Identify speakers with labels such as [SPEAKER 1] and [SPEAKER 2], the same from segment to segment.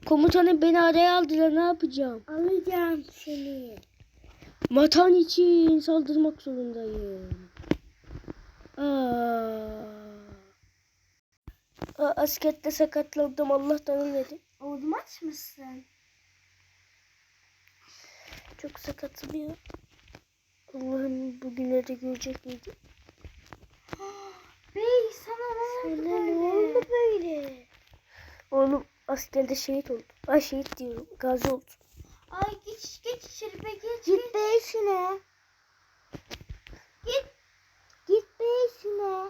[SPEAKER 1] Komutanım beni araya aldılar, ne yapacağım?
[SPEAKER 2] Alacağım seni.
[SPEAKER 1] Vatan için saldırmak zorundayım. Askerde sakatlandım, Allah'tan ölmedim.
[SPEAKER 2] Oğlum aç mısın?
[SPEAKER 1] Çok sakatım ya. Allah'ım bugünleri görecek miydi?
[SPEAKER 2] Bey sana ne oldu
[SPEAKER 1] Sana
[SPEAKER 2] böyle?
[SPEAKER 1] ne oldu böyle? Oğlum askerde şehit oldu. Ay şehit diyorum, gazi oldu.
[SPEAKER 2] Ay geç içeri be geç.
[SPEAKER 1] Git be işine. Git be işine.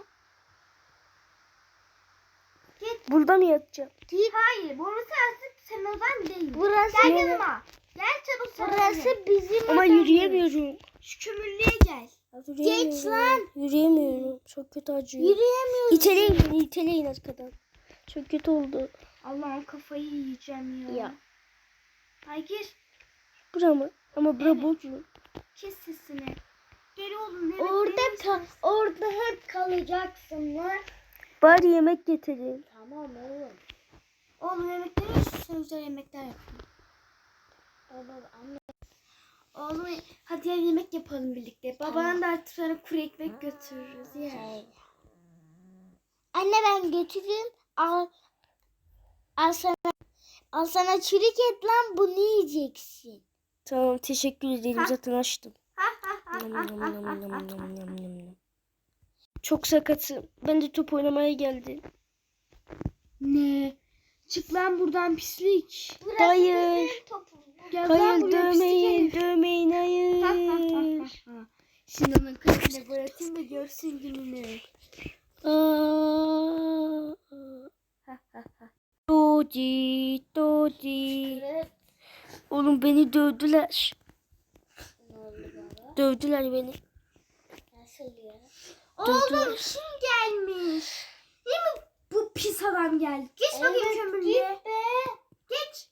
[SPEAKER 2] Git.
[SPEAKER 1] Burada mı yatacağım?
[SPEAKER 2] Git. Hayır burası artık senin odan değil.
[SPEAKER 1] Burası
[SPEAKER 2] Gel
[SPEAKER 1] ne?
[SPEAKER 2] yanıma. Gel çabuk sana.
[SPEAKER 1] Burası bizim ama yürüyemiyorum.
[SPEAKER 2] Şu kömürlüğe gel.
[SPEAKER 1] Geç lan. Yürüyemiyorum. Çok kötü acıyor.
[SPEAKER 2] Yürüyemiyorsun.
[SPEAKER 1] İteleyin beni, iteleyin arkadan. Çok kötü oldu.
[SPEAKER 2] Allah'ım kafayı yiyeceğim ya.
[SPEAKER 1] Ya.
[SPEAKER 2] Ay gir.
[SPEAKER 1] Bura mı? Ama bura
[SPEAKER 2] Evet.
[SPEAKER 1] boş mu?
[SPEAKER 2] Kes sesini. Gel oğlum.
[SPEAKER 1] Orada hep kalacaksın lan. Bari yemek getirin.
[SPEAKER 2] Tamam oğlum. Oğlum yemekleri sen güzel yemekler yapın. Oğlum hadi gel yemek yapalım birlikte. Baban da artık sana kuru ekmek götürürüz ya.
[SPEAKER 1] Anne ben götüreyim. Al sana çürük et lan, bunu yiyeceksin. Tamam teşekkür ederim, zaten açtım. Çok sakatım. Ben de top oynamaya geldim.
[SPEAKER 2] Ne? Çık lan buradan pislik.
[SPEAKER 1] Hayır.
[SPEAKER 2] Gel lan
[SPEAKER 1] Hayır
[SPEAKER 2] buraya
[SPEAKER 1] dövmeyin.
[SPEAKER 2] pislik
[SPEAKER 1] Dövmeyin hayır.
[SPEAKER 2] herif. Sinan'ın kalbine gol atayım da görsün gününü.
[SPEAKER 1] Dodi. Dodi. Oğlum beni dövdüler. Dövdüler beni.
[SPEAKER 2] Nasıl ya? Oğlum
[SPEAKER 1] Dövdüler.
[SPEAKER 2] kim gelmiş? Değil mi bu pis adam geldi? Geç bakayım kömürlüğe. Geç.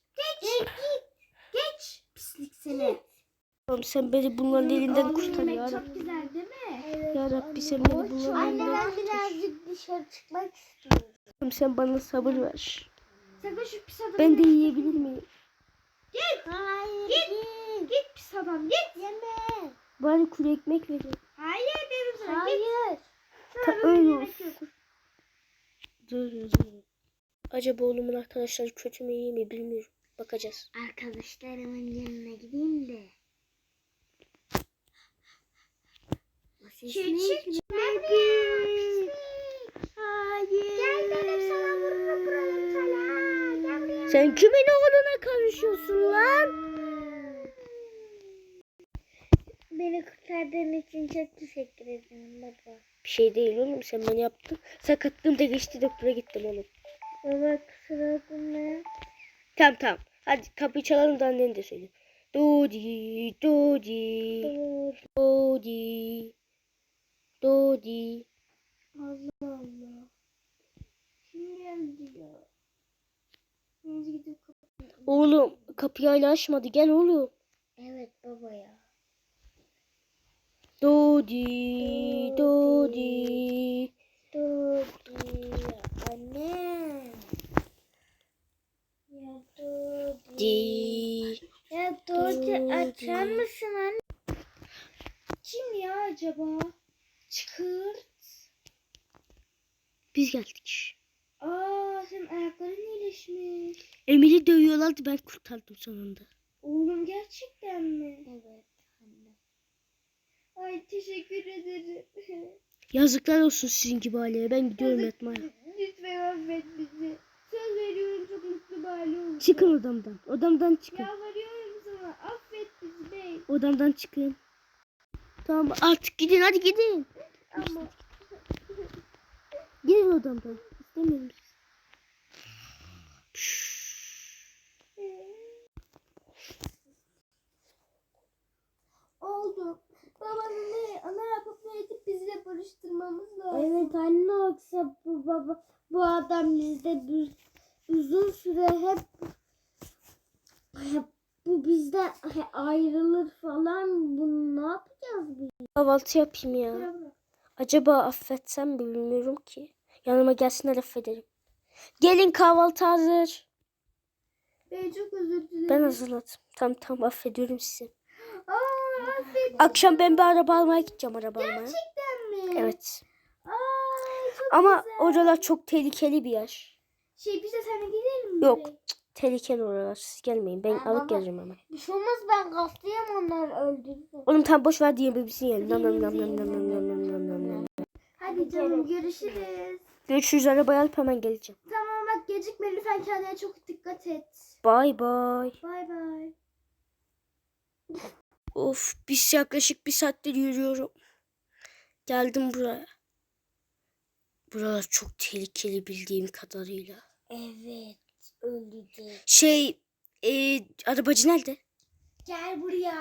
[SPEAKER 2] Geç. Pislik seni.
[SPEAKER 1] Oğlum sen beni bunların elinden
[SPEAKER 2] Oğlum
[SPEAKER 1] kurtar
[SPEAKER 2] yemek
[SPEAKER 1] ya
[SPEAKER 2] çok
[SPEAKER 1] Rabbi.
[SPEAKER 2] güzel değil mi?
[SPEAKER 1] Ya Rabbi sen beni bunların
[SPEAKER 2] Anne
[SPEAKER 1] elinden
[SPEAKER 2] ben
[SPEAKER 1] kurtar.
[SPEAKER 2] birazcık dışarı çıkmak istiyorum.
[SPEAKER 1] Oğlum sen bana sabır ver.
[SPEAKER 2] Sakın şu pis adamı
[SPEAKER 1] Ben de yiyebilir miyim?
[SPEAKER 2] Git. Hayır. Git pis adam git. Yeme.
[SPEAKER 1] Bari kuru ekmek verin.
[SPEAKER 2] Hayır dedim sana.
[SPEAKER 1] Hayır.
[SPEAKER 2] Sana
[SPEAKER 1] Öyle
[SPEAKER 2] böyle yemek
[SPEAKER 1] olsun.
[SPEAKER 2] yok.
[SPEAKER 1] Dur. Acaba oğlumun arkadaşları kötü mü iyi mi bilmiyorum. Bakacağız.
[SPEAKER 2] Arkadaşlarımın yanına gideyim de. Küçük bebeğim. Hayır. Gel dedim sana vururum buranın sana. Gel buraya.
[SPEAKER 1] Sen kimin oğluna karışıyorsun lan?
[SPEAKER 2] Beni kurtardığın için çok teşekkür ederim baba.
[SPEAKER 1] Bir şey değil oğlum, sen beni yaptın. Sakatlığım da geçti, doktora gittim oğlum.
[SPEAKER 2] Baba kusura bakma.
[SPEAKER 1] Tamam. Hadi kapıyı çalalım da anneni de söyle. Dodi.
[SPEAKER 2] Allah Allah. Kim geldi ya? Biz gidip kapatalım.
[SPEAKER 1] Oğlum kapıyı hala açmadı, gel oğlum.
[SPEAKER 2] Evet baba ya.
[SPEAKER 1] Dodi.
[SPEAKER 2] Anne. Ya Dodi.
[SPEAKER 1] Di.
[SPEAKER 2] Ya Dodi açar mısın anne? Kim ya acaba? Çıkır.
[SPEAKER 1] Biz geldik.
[SPEAKER 2] Senin ayakların iyileşmiş.
[SPEAKER 1] Emir'i dövüyorlardı, ben kurtardım sonunda.
[SPEAKER 2] Oğlum gerçekten mi? Evet anne. Ay teşekkür ederim.
[SPEAKER 1] Yazıklar olsun sizin gibi aileye, ben gidiyorum yatmaya.
[SPEAKER 2] Lütfen affet bizi. Söz veriyorum çok mutlu bir aile olacağız.
[SPEAKER 1] Çıkın odamdan. Odamdan çıkın.
[SPEAKER 2] Yalvarıyorum sana affet bizi bey.
[SPEAKER 1] Odamdan çıkın. Tamam artık gidin, hadi gidin.
[SPEAKER 2] Ama
[SPEAKER 1] Gidin odamdan. İstemiyorum sizi.
[SPEAKER 2] oldu. Babanın ana yapıp ne edip bizle barıştırmamız lazım.
[SPEAKER 1] Evet anne, yoksa bu adam bizde uzun süre hep bu bizden ayrılır falan. Bunu ne yapacağız biz? Kahvaltı yapayım ya. Acaba affetsem mi bilmiyorum ki. Yanıma gelsinler, affederim. Gelin kahvaltı hazır.
[SPEAKER 2] Ben çok özür dilerim.
[SPEAKER 1] Ben hazırladım. Tamam affediyorum sizi.
[SPEAKER 2] Affet.
[SPEAKER 1] Akşam ben bir araba almaya gideceğim araba almaya.
[SPEAKER 2] Gerçekten mi?
[SPEAKER 1] Evet.
[SPEAKER 2] Çok
[SPEAKER 1] Ama
[SPEAKER 2] güzel.
[SPEAKER 1] oralar çok tehlikeli bir yer.
[SPEAKER 2] Biz de sana gidelim mi?
[SPEAKER 1] Yok. Tehlikeli oralar. Siz gelmeyin. Ben
[SPEAKER 2] Aa,
[SPEAKER 1] alıp
[SPEAKER 2] baba.
[SPEAKER 1] gelirim hemen.
[SPEAKER 2] Bir şey olmaz, ben gazlayayım, onlar öldürdüm.
[SPEAKER 1] Oğlum tam boş ver diye bebeğini yiyelim. Nam nam nam nam nam nam nam nam nam nam.
[SPEAKER 2] Hadi canım, görüşürüz.
[SPEAKER 1] Görüşürüz, arabayı alıp hemen geleceğim.
[SPEAKER 2] Tamam bak, gecikme lütfen, kendine çok dikkat et.
[SPEAKER 1] Bay bay.
[SPEAKER 2] Bay bay.
[SPEAKER 1] Of, biz yaklaşık 1 saattir yürüyorum. Geldim buraya. Buralar çok tehlikeli bildiğim kadarıyla.
[SPEAKER 2] Evet, öldürdüm.
[SPEAKER 1] Arabacı nerede?
[SPEAKER 2] Gel buraya.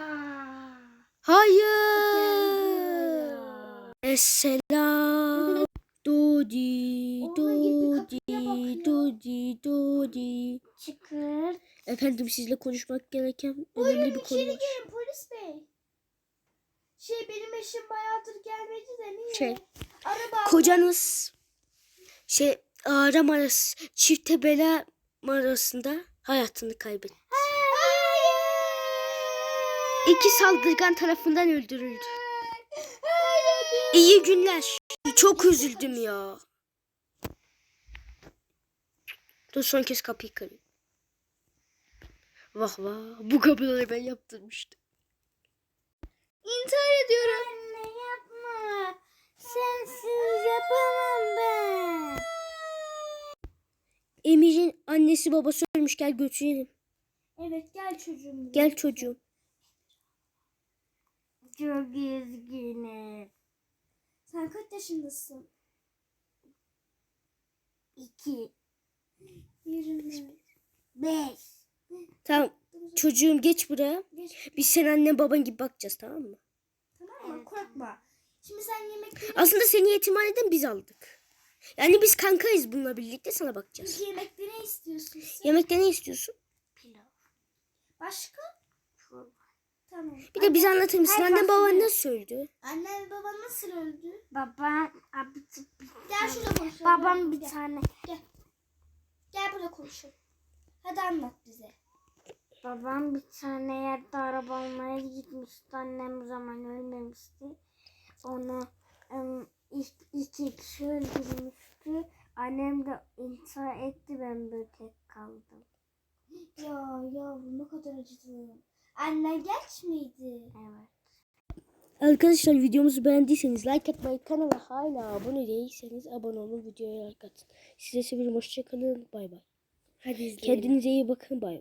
[SPEAKER 1] Hayır. Selam. Dodi,
[SPEAKER 2] Oğlum, git bir
[SPEAKER 1] Dodi,
[SPEAKER 2] kapıya bak ya.
[SPEAKER 1] Dodi.
[SPEAKER 2] Çıkır.
[SPEAKER 1] Efendim, sizle konuşmak gereken önemli bir konu
[SPEAKER 2] İçeri
[SPEAKER 1] var.
[SPEAKER 2] gelin polis bey. Benim eşim bayağıdır gelmedi de niye? Araba
[SPEAKER 1] Kocanız Ağrı arası çifte bela arasında hayatını kaybetti.
[SPEAKER 2] Hayır.
[SPEAKER 1] 2 saldırgan tarafından öldürüldü.
[SPEAKER 2] Hayır.
[SPEAKER 1] İyi günler. Çok üzüldüm ya. Dur, son kez kapıyı kırayım. Vah vah, bu kapıları ben yaptırmıştım.
[SPEAKER 2] İntihar ediyorum. Anne yapma. Sensiz yapamam ben.
[SPEAKER 1] Emir'in annesi babası ölmüş, gel götürelim.
[SPEAKER 2] Evet, gel çocuğum.
[SPEAKER 1] Gel çocuğum.
[SPEAKER 2] Çok üzgünüm. Sen kaç yaşındasın? 2. 25.
[SPEAKER 1] Tamam çocuğum, geç buraya. Biz senin annen baban gibi bakacağız, tamam mı?
[SPEAKER 2] Tamam mı? Korkma. Şimdi sen yemekleri...
[SPEAKER 1] Aslında seni yetimhaneden biz aldık. Yani biz kankayız, bununla birlikte sana bakacağız.
[SPEAKER 2] Yemekte ne istiyorsun sen?
[SPEAKER 1] Yemekte ne istiyorsun?
[SPEAKER 2] Pilav. Başka? Çorba. Tamam.
[SPEAKER 1] Bir de bize anlatır mısın? Annen baban nasıl öldü?
[SPEAKER 2] Annen baban nasıl öldü?
[SPEAKER 3] Babam
[SPEAKER 2] Gel şurada konuşalım.
[SPEAKER 3] babam bir
[SPEAKER 2] Gel.
[SPEAKER 3] tane
[SPEAKER 2] Gel burada konuşalım. Hadi anlat bize.
[SPEAKER 3] babam bir tane yerde araba almaya gitmişti. Annem o zaman ölmemişti. Onu iki kişi öldürmüştü. Annem de intihar etti, ben böyle tek kaldım.
[SPEAKER 2] Ya yavrum, ne kadar acıdım. Annen genç miydi?
[SPEAKER 3] Evet.
[SPEAKER 1] Arkadaşlar, videomuzu beğendiyseniz like atmayı, kanala hala abone değilseniz abone olun, videoya like atın. Size seviyorum, hoşçakalın, bay bay.
[SPEAKER 2] Hadi izleyelim.
[SPEAKER 1] Kendinize iyi bakın, bay bay.